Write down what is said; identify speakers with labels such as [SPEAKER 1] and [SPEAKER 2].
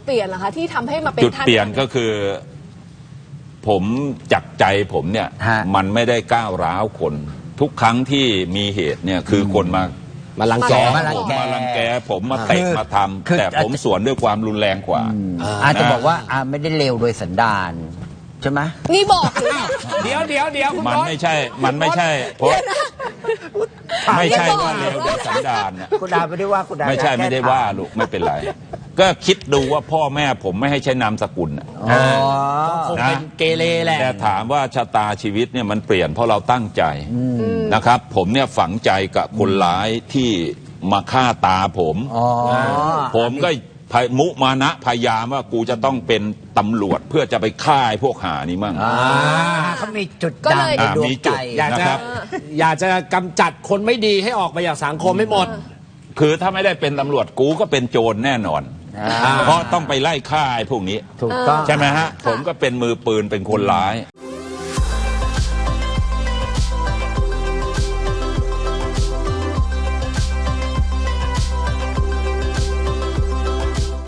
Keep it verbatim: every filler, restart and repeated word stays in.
[SPEAKER 1] เปลี่ยนเหรอคะที่ทำให้มาเป็น
[SPEAKER 2] จุด
[SPEAKER 1] ท่าน
[SPEAKER 2] เปลี่ยนก็คือ ผมจักใจผมเนี่ย มันไม่ได้ก้าวร้าวคน ทุกครั้งที่มีเหตุเนี่ยคือคนมา
[SPEAKER 3] มาลังแก
[SPEAKER 2] มาลังแกมาลังแกผมมาเตะมาทำแต่ผมสวนด้วยความรุนแรงกว่า
[SPEAKER 4] อาจจะบอกว่าอาไม่ได้เลวโดยสันดานใช่ไหม
[SPEAKER 1] นี่บอกหรือ
[SPEAKER 3] เดี๋ยวเดี๋ยวเดี๋ยวคุณ
[SPEAKER 2] มัน
[SPEAKER 3] บอส
[SPEAKER 2] ไม่ใช่ มันไม่ใช่เพราะไม่ใช่ว่าเลวโดยสันดานนะ
[SPEAKER 4] คุณดาไม่ได้ว่าคุณดา
[SPEAKER 2] ไม่ใช่ไม่ได้ว่าลูกไม่เป็นไร ก็คิดดูว่าพ่อแม่ผมไม่ให้ใช้นามสกุลน่ะ
[SPEAKER 4] อ๋อ
[SPEAKER 3] คงเป็นเกเรแหละ
[SPEAKER 2] แต่ถามว่าชะตาชีวิตเนี่ยมันเปลี่ยนเพราะเราตั้งใจนะครับ ผมเนี่ยฝังใจกับคนร้ายที่มาฆ่าตาผม
[SPEAKER 4] อ๋อ
[SPEAKER 2] ผมก็มุมานะพยายามว่ากูจะต้องเป็นตำรวจเพื่อจะไปฆ่าไอ้พวกหานี่มั่ง
[SPEAKER 4] อ่าเขามีจุด
[SPEAKER 1] ก็
[SPEAKER 4] ด่าง
[SPEAKER 1] เลย
[SPEAKER 4] ในดวง
[SPEAKER 2] มีจุ
[SPEAKER 4] ใจ
[SPEAKER 2] ด
[SPEAKER 3] อยากจะ
[SPEAKER 2] นะครับ
[SPEAKER 3] อยากจะกำจัดคนไม่ดีให้ออกไปจากสังคมให้หมด
[SPEAKER 2] คือถ้าไม่ได้เป็นตำรวจกูก็เป็นโจรแน่นอน
[SPEAKER 4] อ่า
[SPEAKER 2] เพราะต้องไปไล่ฆ่าไอ้พวกนี้
[SPEAKER 4] ถูกต้อง
[SPEAKER 2] ใช่ไหมฮะ ผมก็เป็นมือปืนเป็นคนร้าย